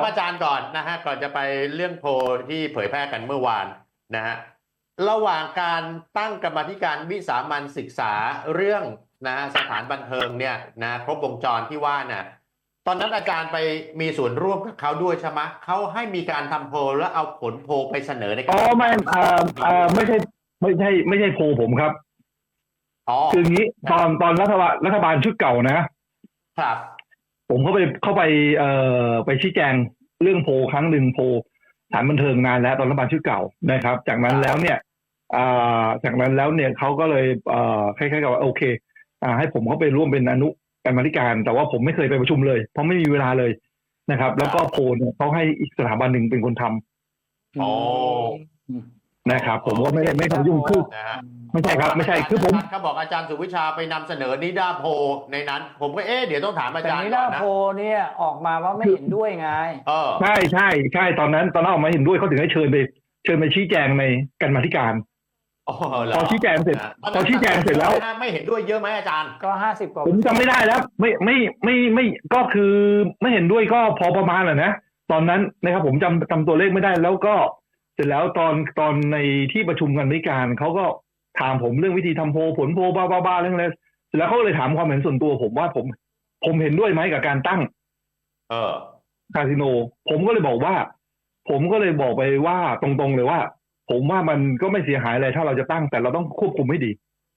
อาจารย์ก่อนนะฮะก่อนจะไปเรื่องโพลที่เผยแพร่กันเมื่อวานนะฮะระหว่างการตั้งกรรมาธิการวิสามัญศึกษาเรื่องนะฮะสถานบันเทิงเนี่ยนะครบวงจรที่ว่าน่ะตอนนั้นอาจารย์ไปมีส่วนร่วมกับเขาด้วยใช่ไหมเขาให้มีการทำโพลแล้วเอาผลโพลไปเสนอในการไม่ไม่ใช่โพลผมครับคืออย่างนี้ตอนรัฐบาลชุดเก่านะครับผมเข้าไปไปชี้แจงเรื่องโพลครั้งหนึ่งโพลสถานบันเทิงนานแล้วตอนรัฐบาลชุดเก่านะครับจากนั้นแล้วเนี่ยเขาก็เลยคล้ายๆกับว่าโอเคให้ผมเข้าไปร่วมเป็นอนุกรรมาธิการแต่ว่าผมไม่เคยไปประชุมเลยเพราะไม่มีเวลาเลยนะครับแล้วก็โพลเนี่ยเขาให้อีกสถาบันหนึ่งเป็นคนทำนะครับผมก็ไม่ทำยุ่งคือไม่ใช่ครับไม่ใช่คือผมเขาบอกอาจารย์สุวิชาไปนำเสนอนิดาโพในนั้นผมก็เดี๋ยวต้องถามอาจารย์นิดาโพเนี่ยออกมาว่าไม่เห็นด้วยไงใช่ตอนนั้นออกมาเห็นด้วยเขาถึงให้เชิญไปชี้แจงในกรรมาธิการพอชี้แจงเสร็จแล้วไม่เห็นด้วยเยอะไหมอาจารย์ก็50 กว่าผมจำไม่ได้แล้วไม่ก็คือไม่เห็นด้วยก็พอประมาณนะตอนนั้นนะครับผมจำตัวเลขไม่ได้แล้วก็เสร็จแล้วตอนในที่ประชุมกรรมาธิการเขาก็ถามผมเรื่องวิธีทำโพลผลโพลบ้าเรื่องอะไรเสร็จแล้วเขาเลยถามความเห็นส่วนตัวผมว่าผมเห็นด้วยไหมกับการตั้งคาสิโนผมก็เลยบอกไปว่าตรงๆเลยว่าผมว่ามันก็ไม่เสียหายอะไรถ้าเราจะตั้งแต่เราต้องควบคุมให้ดี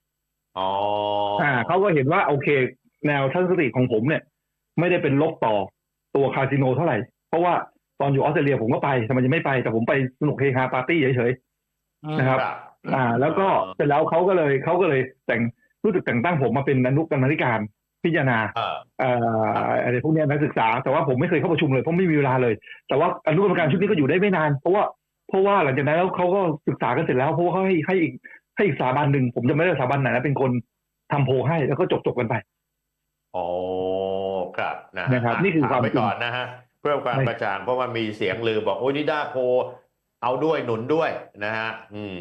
เขาก็เห็นว่าโอเคแนวทัศนคติของผมเนี่ยไม่ได้เป็นลบต่อตัวคาสิโนเท่าไหร่เพราะว่าตอนอยู่ออสเตรเลียผมก็ไปทำไมจะไม่ไปแต่ผมไปสนุกเฮฮาปาร์ตี้เฉยๆนะครับแล้วก็เสร็จแล้วเขาก็เลยรู้สึกแต่งตั้งผมมาเป็นอนุกรรมาธิการพิจารณาอะไรพวกนี้นักศึกษาแต่ว่าผมไม่เคยเข้าประชุมเลยเพราะไม่มีเวลาเลยแต่ว่าอนุกรรมการชุดนี้ก็อยู่ได้ไม่นานเพราะว่าหลังจากนั้นแล้วเขาก็ศึกษากันเสร็จแล้วเพราะว่าเขาให้อีกสถาบันหนึ่งผมจะไม่ได้สถาบันไหนนะเป็นคนทำโพลให้แล้วก็จบกันไปครับนะครับนี่คือความไปก่อนนะฮะเพื่อความกระจ่างเพราะว่ามีเสียงลือบอกโอ้นิดาโพเอาด้วยหนุนด้วยนะฮะ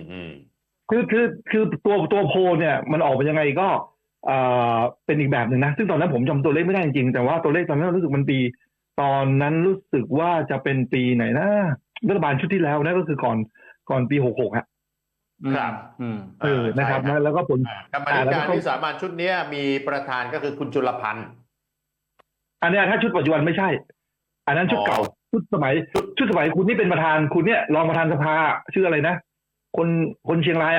คือตัวโพลเนี่ยมันออกมายังไงก็เป็นอีกแบบหนึ่งนะซึ่งตอนนั้นผมจำตัวเลขไม่ได้จริงๆแต่ว่าตัวเลขตอนนั้นรู้สึกมันปีตอนนั้นรู้สึกว่าจะเป็นปีไหนนะรัฐบาลชุดที่แล้วนะก็คือก่อนปี66 ครับนะครับแล้วก็ผลกรรมการวิสามัญชุดนี้มีประธานก็คือคุณจุลพันธ์อันนี้ถ้าชุดปัจจุบันไม่ใช่อันนั้นชุดเก่าชุดสมัยคุณนี่เป็นประธานคุณเนี่ยรองประธานสภาชื่ออะไรนะคนเชียงราย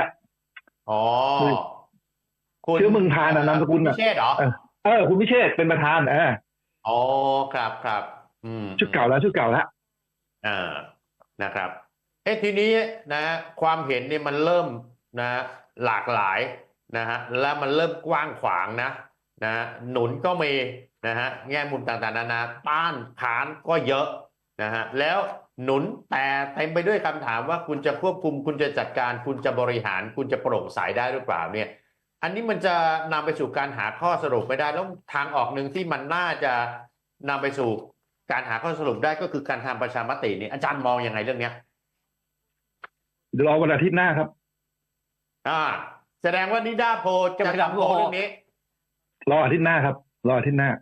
ชื่อเมืองทานนามสกุลพิเชษเหรอคุณพิเชษเป็นประธานครับชุดเก่าแล้วนะครับทีนี้นะความเห็นเนี่ยมันเริ่มนะหลากหลายนะฮะและมันเริ่มกว้างขวางนะหนุนก็มีนะฮะแง่มุมต่างๆนานาต้านขานก็เยอะนะฮะแล้วหนุนแต่เต็มไปด้วยคำถามว่าคุณจะควบคุมคุณจะจัดการคุณจะบริหารคุณจะโปร่งใสได้หรือเปล่าเนี่ยอันนี้มันจะนำไปสู่การหาข้อสรุปไม่ได้แล้วทางออกหนึ่งที่มันน่าจะนำไปสู่การหาข้อสรุปได้ก็คือการทำประชามตินี่อาจารย์มองยังไงเรื่องนี้เดี๋ยวรอวันอาทิตย์หน้าครับแสดงว่านิดาโพจะทำโพเรื่องนี้รออาทิตย์หน้าครับรออาทิตย์หน้า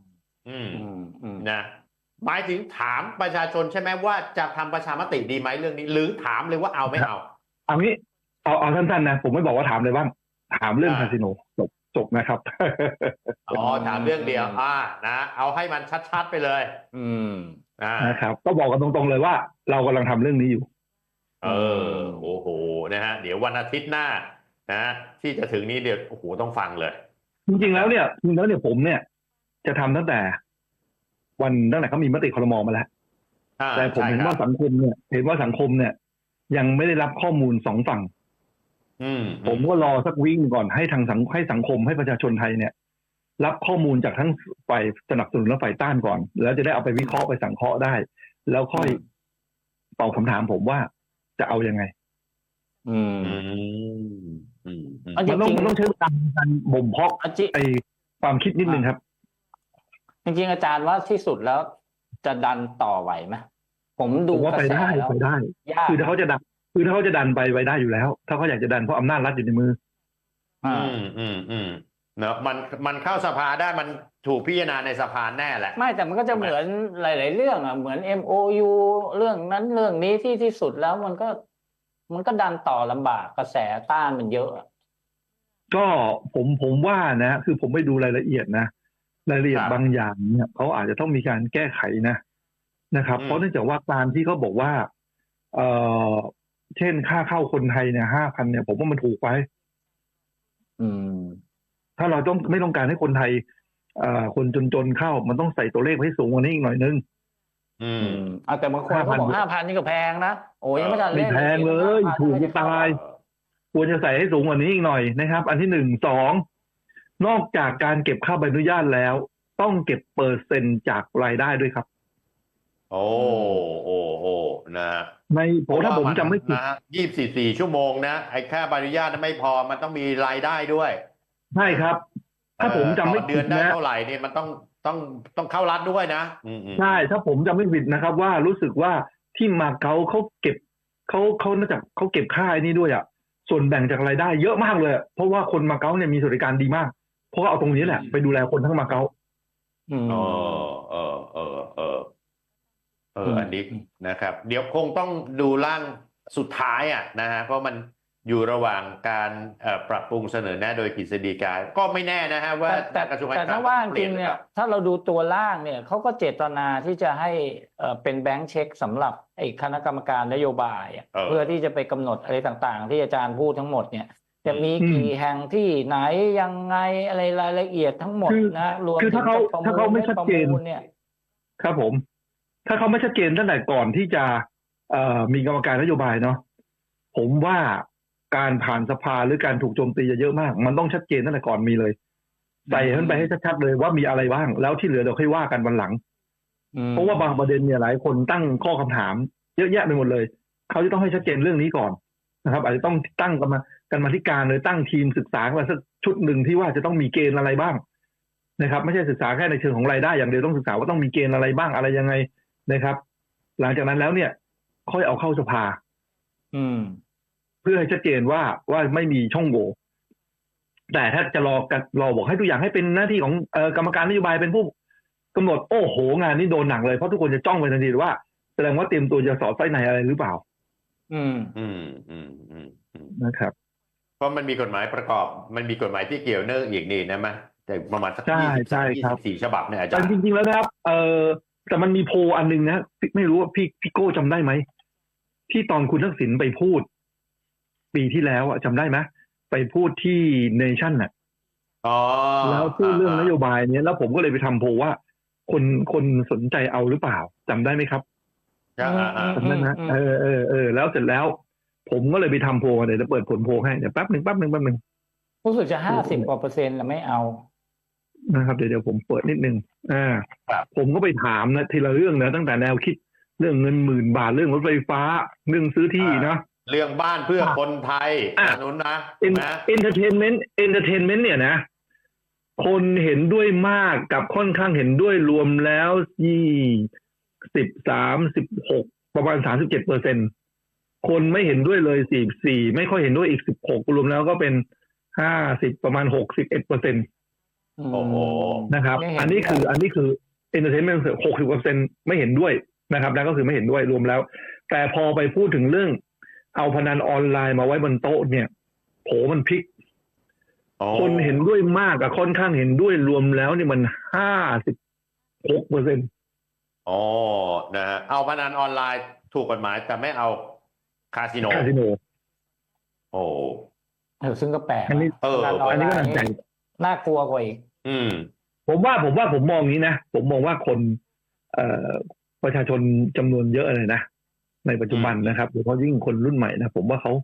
นะหมายถึงถามประชาชนใช่ไหมว่าจะทำประชามติดีไหมเรื่องนี้หรือถามเลยว่าเอาไม่เอางี้เอาสั้นๆนะผมไม่บอกว่าถามเลยบ้างถามเรื่องคาสิโนจบนะครับถามเรื่องเดียวนะเอาให้มันชัดๆไปเลยนะครับก็บอกกันตรงๆเลยว่าเรากำลังทำเรื่องนี้อยู่โอ้โหนะฮะเดี๋ยววันอาทิตย์หน้านะที่จะถึงนี้เดี๋ยวโอ้โหต้องฟังเลยจริงๆแล้วเนี่ยผมเนี่ยจะทำตั้งแต่เขามีมติครม.มาแล้วแต่ผมเห็นว่าสังคมเนี่ยยังไม่ได้รับข้อมูล2 ฝั่งผมก็รอสักวิ่งก่อนให้ให้สังคมให้ประชาชนไทยเนี่ยรับข้อมูลจากทั้งฝ่ายสนับสนุนและฝ่ายต้านก่อนแล้วจะได้เอาไปวิเคราะห์ไปสังเคราะห์ได้แล้วค่อยตอบคำถามผมว่าจะเอายังไงมันต้องใช้การบ่มเพาะไอความคิดนิดนึงครับจริงๆอาจารย์ว่าที่สุดแล้วจะดันต่อไหวไหมผมดูว่าไปได้คือถ้าเขาจะดันไปได้อยู่แล้วถ้าเขาอยากจะดันเพราะอำนาจรัฐอยู่ในมือเนอะมันเข้าสภาได้ถูกพิจารณาในสภาแน่แหละไม่แต่มันก็จะเหมือนหลาย ๆ เรื่องอ่ะเหมือน MOU เรื่องนั้นเรื่องนี้ที่สุดแล้วมันก็ดันต่อลำบากกระแสต้านมันเยอะอะก็ผมว่านะคือผมไม่ดูรายละเอียดนะรายละเอียดครับบางอย่างเนี่ยเขาอาจจะต้องมีการแก้ไขนะครับอืมเพราะเนื่องจากว่าการที่เขาบอกว่าเออเช่นค่าเข้าคนไทยเนี่ย5,000เนี่ยผมว่ามันถูกไปอืมถ้าเราไม่ต้องการให้คนไทยคนจนๆเข้ามันต้องใส่ตัวเลขให้สูงกว่านี้อีกหน่อยนึงอืมเอาแต่บางคนเขาบอก 5,000 นี่ก็แพงนะโอ้ยยังไม่ทันไม่เล่นแพงเลย 5,000 ถูกจะตาย ควรจะใส่ให้สูงกว่านี้อีกหน่อยนะครับ อันที่1 2นอกจากการเก็บค่าใบอนุญาตแล้ว ต้องเก็บเปอร์เซ็นต์จากรายได้ด้วยครับโอ้นะฮะในถ้าผมจำไม่ผิดนะฮะ24 ชั่วโมงนะไอ้ค่าใบอนุญาตไม่พอมันต้องมีรายได้ด้วยใช่ครับ ถ้าผมจำไม่ต่อเดืผิอดนได้นะเท่าไหร่เนี่ยมันต้องเข้ารัฐด้วยนะใช่ถ้าผมจำไม่ผิดนะครับ ว่ารู้สึกว่าที่มาเก๊าเขาเก็บเขาน่าจะเขาเก็บค่าไอ้นี้ด้วยอ่ะส่วนแบ่งจากรายได้เยอะมากเลยเพราะว่าคนมาเก๊าเนี่ยมีสวัสดิการดีมากเพราะเอาตรงนี้แหละไปดูแลคนทั้งมาเก๊าอันนี้นะครับ เดี๋ยวคงต้องดูร่างสุดท้ายนะฮะเพราะมันอยู่ระหว่างการปรับปรุงเสนอแนะโดยกฤษฎีกาก็ไม่แน่นะฮะว่าแต่กระทรวงแต่ถ้าว่าจริงเนี่ยถ้าเราดูตัวล่างเนี่ยเขาก็เจตนาที่จะให้เป็นแบงค์เช็คสำหรับไอ้คณะกรรมการนโยบายเพื่อที่จะไปกำหนดอะไรต่างๆ ที่อาจารย์พูดทั้งหมดเนี่ยจะมีกี่แห่งที่ไหนยังไงอะไรรายละเอียดทั้งหมดนะรวมคือถึถ้างเขาไม่ชัดเจนเนี่ยครับผม ถ้าเขาไม่ชัดเจนตั้งแต่ก่อนที่จะมีกรรมการนโยบายเนาะผมว่าการผ่านสภาหรือการถูกโจมตีจะเยอะมาก มันต้องชัดเจนตั้งแต่ก่อนมีเลยใส่ขึ้นไปให้ชัดๆเลยว่ามีอะไรบ้างแล้วที่เหลือเดี๋ยวค่อยว่ากันวันหลังเพราะว่าบางประเด็นเนี่ยหลายคนตั้งข้อคำถามเยอะแยะไปหมดเลยเขาจะต้องให้ชัดเจนเรื่องนี้ก่อนนะครับอาจจะต้องตั้งกันมาธิการเลยตั้งทีมศึกษามาสักชุดหนึ่งที่ว่าจะต้องมีเกณฑ์อะไรบ้างนะครับไม่ใช่ศึกษาแค่ในเชิงของรายได้อย่างเดียวต้องศึกษาว่าต้องมีเกณฑ์อะไรบ้างอะไรยังไงนะครับ หลังจากนั้นแล้วเนี่ยค่อยเอาเข้าสภาเพื่อให้ชัดเจนว่าไม่มีช่องโหว่แต่ถ้าจะรอบอกให้ทุกอย่างให้เป็นหน้าที่ของกรรมการนโยบายเป็นผู้กำหนดโอ้โหงานนี้โดนหนักเลยเพราะทุกคนจะจ้องไปทันทีว่าแสดงว่าเตรียมตัวจะสอดไส้ในอะไรหรือเปล่านะครับเพราะมันมีกฎหมายประกอบมันมีกฎหมายที่เกี่ยวเนื่องอีกนี่นะมั้ยแต่ประมาณสัก24 ฉบับเนี่ยอาจารย์จริงๆแล้วนะครับแต่มันมีโพลอันนึงนะไม่รู้ว่าพี่โก้จำได้ไหมที่ตอนคุณทักษิณไปพูดปีที่แล้วจำได้ไหมไปพูดที่เนชั่นน่ะแล้วพูดเรื่องนโยบายเนี้ยแล้วผมก็เลยไปทำโพลว่าคนสนใจเอาหรือเปล่าจำได้ไหมครับจำได้นะแล้วเสร็จแล้วผมก็เลยไปทำโพลเดี๋ยวจะเปิดผลโพลให้เดี๋ยวแป๊บหนึ่งรู้สึกจะ50%แล้วไม่เอานะครับเดี๋ยวผมเปิดนิดนึงผมก็ไปถามนะทีละเรื่องนะตั้งแต่แนวคิดเรื่องเงิน10,000 บาทเรื่องรถไฟฟ้าเรื่องซื้อที่นะเรื่องบ้านเพื่อคนไทยนู้นนะ entertainment เนี่ยนะคนเห็นด้วยมากกับค่อนข้างเห็นด้วยรวมแล้ว36ประมาณ 37%คนไม่เห็นด้วยเลย44ไม่ค่อยเห็นด้วยอีก16รวมแล้วก็เป็น50ประมาณ 61% โอ้โหนะครับอันนี้คือ entertainment 60% ไม่เห็นด้วยนะครับนั่นก็คือไม่เห็นด้วยรวมแล้วแต่พอไปพูดถึงเรื่องเอาพนันออนไลน์มาไว้บนโต๊ะเนี่ยโผมันพลิกคนเห็นด้วยมากกับค่อนข้างเห็นด้วยรวมแล้วนี่มัน56% นะฮะเอาพนันออนไลน์ถูกกฎหมายแต่ไม่เอาคาสิโนซึ่งก็แปลกอันนี้ก็น่าสนใจน่ากลัวกว่าอีกผมมองนี้นะผมมองว่าคนประชาชนจำนวนเยอะเลยนะในปัจจุบันนะครับโดยเฉพาะยิ่งคนรุ่นใหม่นะผมว่าเขา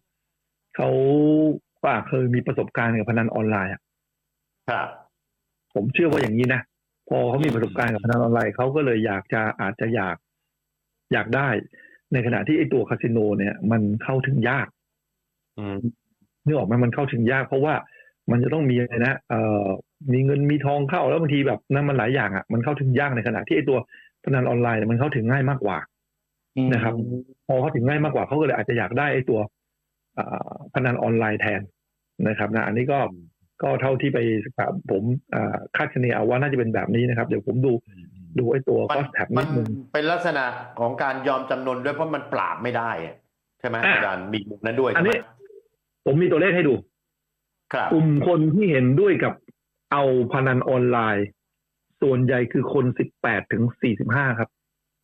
เคยมีประสบการณ์กับพนันออนไลน์ผมเชื่อว่าอย่างนี้นะพอเขามีประสบการณ์กับพนันออนไลน์เขาก็เลยอาจจะอยากได้ในขณะที่ไอ้ตัวคาสิโนเนี่ยมันเข้าถึงยากนึกออกไหมมันเข้าถึงยากเพราะว่ามันจะต้องมีอะไรนะมีเงินมีทองเข้าแล้วบางทีแบบนั้นมันหลายอย่างมันเข้าถึงยากในขณะที่ไอ้ตัวพนันออนไลน์มันเข้าถึงง่ายมากกว่านะครับพอเข้าถึงง่ายมากกว่าเขาก็เลยอาจจะอยากได้ไอ้ตัวพนันออนไลน์แทนนะครับนะอันนี้ก็ก็เท่าที่ไปศึกษาผมคาดคะเนเอาว่าน่าจะเป็นแบบนี้นะครับเดี๋ยวผมดูไอ้ตัวมัน cost tab มันินดนึงเป็นลักษณะของการยอมจำนนด้วยเพราะมันปราบไม่ได้อะใช่ไหมอาจารย์มีมุมนั้นด้วยอัใช่นไหมนี้ผมมีตัวเลขให้ดูครับกลุ่มคนที่เห็นด้วยกับเอาพนันออนไลน์ ส่วนใหญ่คือคน18 ถึง 45 ครับ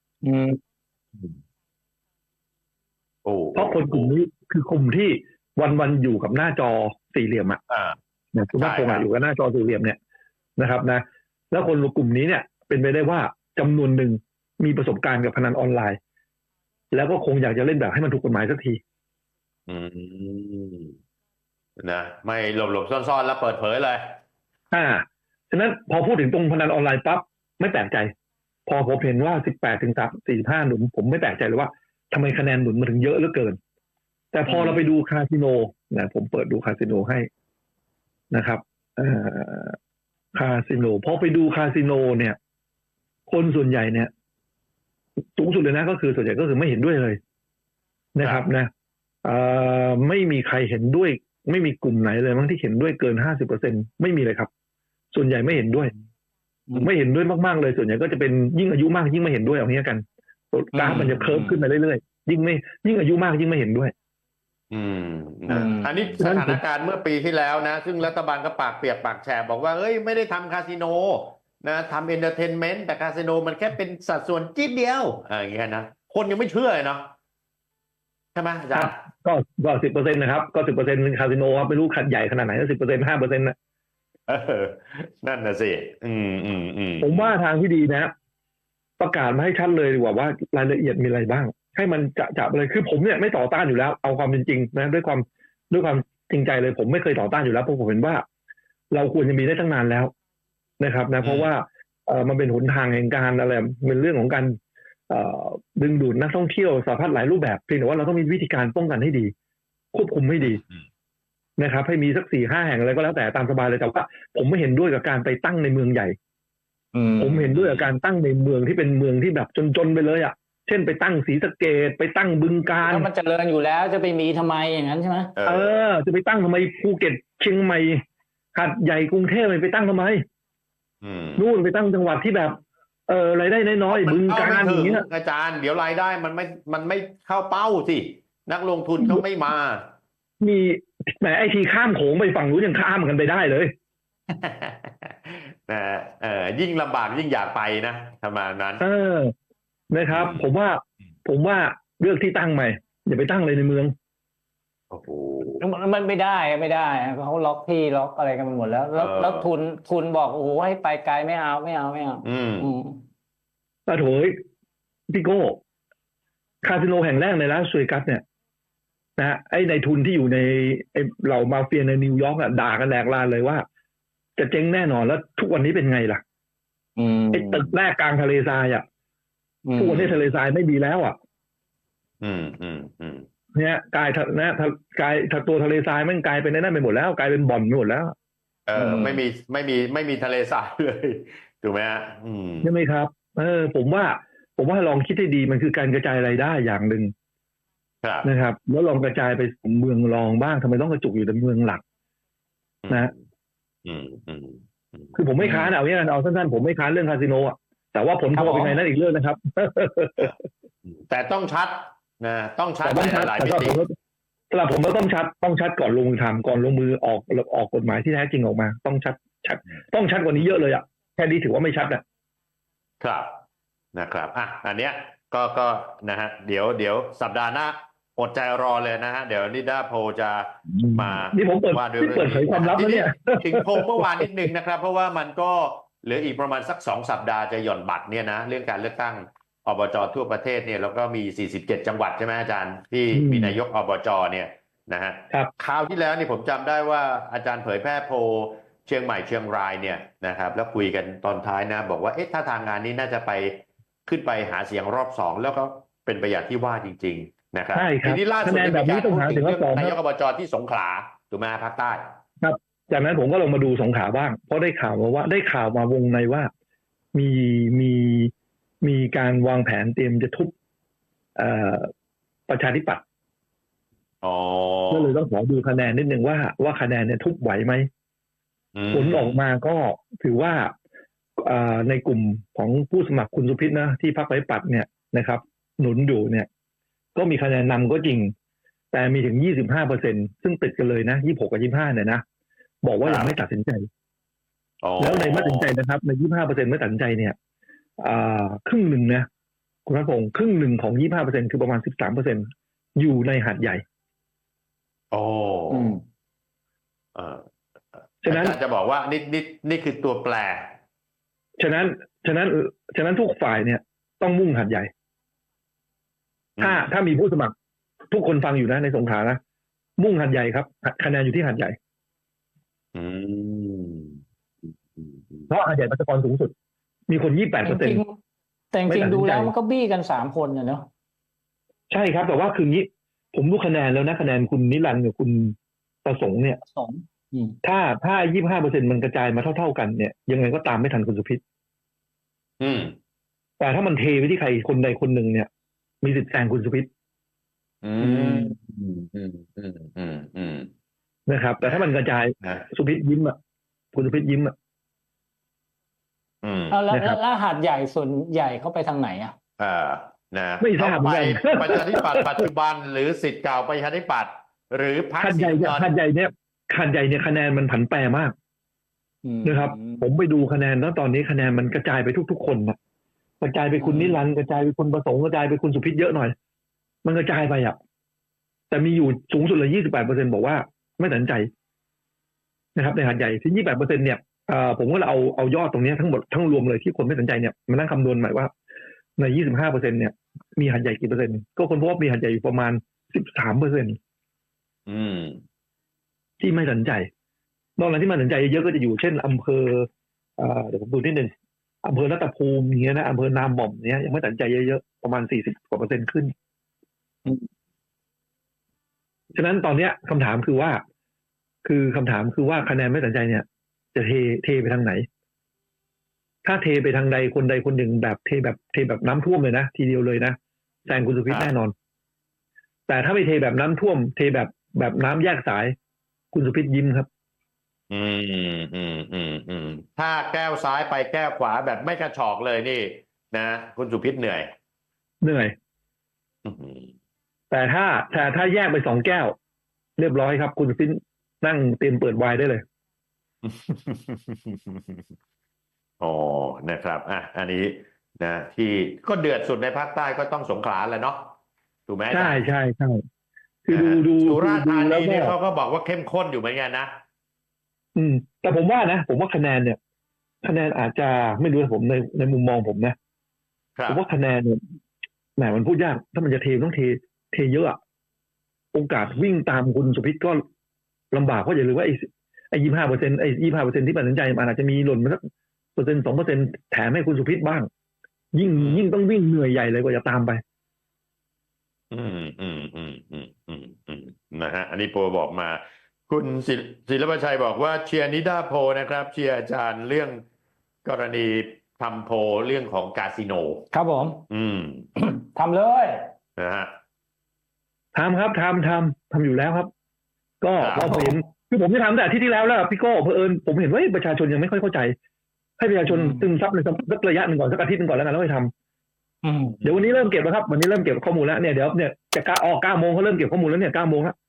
โอ้เพราะคนกลุ่มนี้คือกลุ่มที่วันอยู่กับหน้าจอสี่เหลี่ยมอ่ะอ่าเนี่ยคุณภาคภูมิอยู่กับหน้าจอสี่เหลี่ยมเนี่ยนะครับนะแล้วคนกลุ่มนี้เนี่ยเป็นไปได้ว่าจำนวนหนึ่งมีประสบการณ์กับพนันออนไลน์ แล้วก็คงอยากจะเล่นแบบให้มันถูกกฎหมายสักทีอืมนะไม่หลบซ่อนๆแล้วเปิดเผยเลยฉะนั้นพอพูดถึงตรงพนันออนไลน์ปั๊บไม่แปลกใจ พอผมเห็นว่า18 ถึง 45 หนุนผมไม่แปลกใจเลยว่าทำไมคะแนนหนุนมาถึงเยอะเหลือเกิน แต่พอเราไปดูคาสิโนนะผมเปิดดูคาสิโนให้นะครับคาสิโนพอไปดูคาสิโนเนี่ยคนส่วนใหญ่เนี่ยสูงสุดเลยนะก็คือส่วนใหญ่ก็คือไม่เห็นด้วยเลยนะครับนะไม่มีใครเห็นด้วยไม่มีกลุ่มไหนเลยมั้งที่เห็นด้วยเกิน 50% ไม่มีเลยครับส่วนใหญ่ไม่เห็นด้วยไม่เห็นด้วยมากๆเลยส่วนใหญ่ก็จะเป็นยิ่งอายุมากยิ่งไม่เห็นด้วยเอางี้กันกราฟมันจะเคิร์ฟขึ้นไปเรื่อยๆยิ่งอายุมากยิ่งไม่เห็นด้วยอันนี้สถานการณ์เมื่อปีที่แล้วนะซึ่งรัฐบาลก็ปากเปียกปากแฉะบอกว่าเฮ้ยไม่ได้ทำคาสิโนนะทำเอนเตอร์เทนเมนต์แต่คาสิโนมันแค่เป็นสัดส่วนจิ๊ดเดียวอย่างเงี้ยนะคนยังไม่เชื่อเลยเนาะใช่ไหมอาจารย์ก็ 10% นะครับก็ 10% คาสิโนครับไม่รู้ขัดใหญ่ขนาดไหนก็ 10% 5% นะนั่นน่ะสิผมว่าทางที่ดีนะประกาศมาให้ชัดเลยดีกว่าว่ารายละเอียดมีอะไรบ้างให้มันจะเลยคือผมเนี่ยไม่ต่อต้านอยู่แล้วเอาความเป็นจริงนะด้วยความจริงใจเลยผมไม่เคยต่อต้านอยู่แล้วเพราะผมเห็นว่าเราควรจะมีได้ตั้งนานแล้วนะครับนะเพราะว่ามันเป็นหนทางแห่งการอะไรเป็นเรื่องของการดึงดูดนักท่องเที่ยวสารพัดหลายรูปแบบเพียงแต่ว่าเราต้องมีวิธีการป้องกันให้ดีควบคุมให้ดีนะครับให้มีสัก 4-5 แห่งอะไรก็แล้วแต่ตามสบายเลยแต่ว่าผมไม่เห็นด้วยกับการไปตั้งในเมืองใหญ่ผมเห็นด้วยกับการตั้งในเมืองที่เป็นเมืองที่แบบจนๆไปเลยอ่ะเช่นไปตั้งศรีสะเกษไปตั้งบึงกาฬแล้วมันเจริญอยู่แล้วจะไปมีทำไมอย่างนั้นใช่ไหมจะไปตั้งทำไมภูเก็ตเชียงใหม่หาดใหญ่กรุงเทพไปตั้งทำไมนู่นไปตั้งจังหวัดที่แบบรายได้น้อยๆบึงกาฬอย่างเงี้ยอาจารย์เดี๋ยวรายได้มันไม่เข้าเป้าสินักลงทุนเขาไม่มามีแหมไอทีข้ามโขงไปฝั่งนู้นยังข้ามกันไปได้เลยยิ่งลำบากยิ่งอยากไปนะประมาณนั้นนะครับผมว่าเลือกที่ตั้งใหม่อย่าไปตั้งเลยในเมืองโอ้โหมันไม่ได้เขาล็อกที่ล็อกอะไรกันไปหมดแล้วทุนบอกโอ้โหให้ไปไกลไม่เอาแต่โถยพี่โก้คาสิโนแห่งแรกในลาสเวกัสเนี่ยนะไอ้ในทุนที่อยู่ในไอ้เหล่ามาเฟียในนิวยอร์กอ่ะด่ากันแหลกลานเลยว่าจะเจ๊งแน่นอนแล้วทุกวันนี้เป็นไงล่ะไอ้ตึกแรกกลางทะเลทรายอ่ะทุกวันนี้ทะเลทรายไม่มีแล้วอ่ะเนี่ยกลายตัวทะเลทรายมันกลายเป็นนั่นไปหมดแล้วกลายเป็นบ่อนไปหมดแล้วไม่มีทะเลทรายเลยถูกไหมฮะใช่ไหมครับผมว่าลองคิดให้ดีมันคือการกระจายรายได้อย่างหนึ่งนะครับแล้วลองกระจายไปเมืองรองบ้างทำไมต้องกระจุกอยู่ในเมืองหลักนะคือผมไม่ค้านเอาเนี่ยเอาสั้นๆผมไม่ค้านเรื่องคาสิโนอ่ะแต่ว่าผลพวงเป็นไงนั่นอีกเรื่องนะครับแต่ต้องชัดนะต้องชัดหลายมิติสำหรับผมก็ต้องชัดก่อนลงมือทำก่อนลงมือออกกฎหมายที่แท้จริงออกมาต้องชัดต้องชัดกว่านี้เยอะเลยอ่ะแค่นี้ถือว่าไม่ชัดนะครับนะครับอันเนี้ยก็นะฮะเดี๋ยวสัปดาห์หน้าอดใจรอเลยนะฮะเดี๋ยวนิด้าโพจะมานี่ผมเปิดเผยความลับแล้วเนี่ยถึงโพเมื่อวานนิดนึงนะครับเพราะว่ามันก็เหลืออีกประมาณสัก2 สัปดาห์จะหย่อนบัตรเนี่ยนะเรื่องการเลือกตั้งอบจ.ทั่วประเทศเนี่ยแล้วก็มี47จังหวัดใช่ไหมอาจารย์ที่มีนายกอบจ.เนี่ยนะฮะคราวที่แล้วนี่ผมจำได้ว่าอาจารย์เผยแพร่โพเชียงใหม่เชียงรายเนี่ยนะครับแล้วคุยกันตอนท้ายนะบอกว่าถ้าทางงานนี้น่าจะไปขึ้นไปหาเสียงรอบ2แล้วก็เป็นไปอย่างที่ว่าจริงๆนะครับทีนี้ล่าสุดมีการพูดถึงเรื่องนายกอบจ.ที่สงขลาถูกไหมภาคใต้ครับจากนั้นผมก็ลงมาดูสงขลาบ้างเพราะได้ข่าวมาวงในว่ามีการวางแผนเตรียมจะทุบประชาธิปัตย์ก็เลยต้องขอดูคะแนนนิดนึงว่าคะแนนเนี่ยทุบไหวไหมผลออกมาก็ถือว่าในกลุ่มของผู้สมัครคุณสุพิษนะที่พรรคประชาธิปัตย์เนี่ยนะครับ หนุนอยู่เนี่ย ก็มีคะแนนนำก็จริง แต่มีถึง 25%ซึ่งติดกันเลยนะ 26 กับ 25เนี่ยนะบอกว่ายังไม่ตัดสินใจแล้วในไม่ตัดสินใจนะครับใน 25% ไม่ตัดสินใจเนี่ยครึ่งหนึ่งนะคุณรัฐพงศ์ครึ่งหนึ่งของ 25% คือประมาณ 13% อยู่ในหาดใหญ่ฉะนั้นจะบอกว่านี่คือตัวแปรฉะนั้นทุกฝ่ายเนี่ยต้องมุ่งหาดใหญ่ถ้ามีผู้สมัครทุกคนฟังอยู่นะในสงขลานะมุ่งหาดใหญ่ครับคะแนนอยู่ที่หาดใหญ่เพราะหาดใหญ่ประชากรสูงสุดมีคน 28% แต่จริงดูแล้วมันก็บี้กัน3 คนเนาะใช่ครับแต่ว่าคืองี้ผมดูคะแนนแล้วนะคะแนนคุณนิรันดร์กับคุณประสงค์เนี่ยถ้า 25% มันกระจายมาเท่าๆกันเนี่ยยังไงก็ตามไม่ทันคุณสุพิษแต่ถ้ามันเทไปที่ใครคนใดคนหนึ่งเนี่ยมีสิทธิ์แซงคุณสุพิษนะครับแต่ถ้ามันกระจายสุพิษยิ้มอ่ะคุณสุพิษยิ้มอ่ะแล้วหาดใหญ่ส่วนใหญ่เขาไปทางไหนอ่ะนะไม่ทราบเหมือนกันประชาธิปัตย์ปัจจุบันหรือสิทธิ์เก่าประชาธิปัตย์หรือพรรคหาดใหญ่เนี่ยคะแนนมันผันแปรมากนะครับผมไปดูคะแนนแล้วตอนนี้คะแนนมันกระจายไปทุกๆคนนะกระจายไปคุณนิรันดร์กระจายไปคุณประสงค์กระจายไปคุณสุพิษเยอะหน่อยมันกระจายไปอ่ะแต่มีอยู่สูงสุดเลย 28% บอกว่าไม่ตัดสินใจนะครับในหาดใหญ่ที่ 28% เนี่ยผมก็เอายอดตรงนี้ทั้งหมดทั้งรวมเลยที่คนไม่ตัดสินใจเนี่ยมานั่งคำนวณใหม่ว่าใน 25% เนี่ยมีหาดใหญ่กี่เปอร์เซ็นต์ก็คนพบว่ามีหาดใหญ่อยู่ประมาณ 13% ที่ไม่ตัดสินใจนอกจากที่ไม่ตัดสินใจเยอะก็จะอยู่เช่นอำเภอเดี๋ยวผมดูนิดนึงอำเภอรัตภูมิอย่างเงี้ยนะอำเภอนาหม่อมเนี้ยยังไม่ตัดสินใจเยอะๆประมาณ40% ขึ้นฉะนั้นตอนเนี้ยคำถามคือว่าคะแนนไม่ตัดสินใจเนี่ยจะเทไปทางไหนถ้าเทไปทางใดคนใดคนหนึ่งแบบเทแบบน้ำท่วมเลยนะทีเดียวเลยนะแซงคุณสุพิษแน่นอนแต่ถ้าไม่เทแบบน้ำท่วมเทแบบน้ำแยกสายคุณสุพิษยิ้มครับถ้าแก้วซ้ายไปแก้วขวาแบบไม่กระชอกเลยนี่นะคุณสุพิษเหนื่อยแต่ถ้าแยกไป2 แก้วเรียบร้อยครับคุณสุพิษนั่งเตรียมเปิดไวน์ได้เลยนะครับอันนี้นะที่ก็เดือดสุดในภาคใต้ก็ต้องสงขลาแหละเนาะถูกไหมใช่คือดูสุราษฎร์ธานีนี่เขาก็บอกว่าเข้มข้นอยู่เหมือนกันนะแต่ผมว่าคะแนนเนี่ยคะแนนอาจจะไม่รู้ผมในมุมมองผมนะผมว่าคะแนนเนี่ยแหมมันพูดยากถ้ามันจะเทต้องเทเยอะโอกาสวิ่งตามคุณสุพิษก็ลำบากเพราะอย่าลืมว่าไอ้ 25% ที่ตัดสินใจมันอาจจะมีหล่นมาสัก1% 2% แถมให้คุณสุพิษบ้างยิ่งต้องวิ่งเหนื่อยใหญ่เลยกว่าจะตามไปนะฮะอันนี้โปรบอกมาคุณศิลปชัยบอกว่าเชียร์นิดาโพนะครับเชียร์อาจารย์เรื่องกรณีทำโพเรื่องของคาสิโนครับผมทำเลยนะฮะทำครับทำอยู่แล้วครับก็พอเห็นคือผมจะทำแต่ที่แล้วพี่โก้เผอิญผมเห็นว่าประชาชนยังไม่ค่อยเข้าใจให้ประชาชนซึมซับในสักระยะหนึ่งก่อนสักอาทิตย์นึงก่อนแล้วกันแล้วไปทำเดี๋ยววันนี้เริ่มเก็บแล้วครับวันนี้เริ่มเก็บข้อมูลแล้วเนี่ยเดี๋ยวเนี่ยจะออก9 โมงเขาเริ่มเก็บข้อมูลแล้วเนี่ย9 โมงแล้ว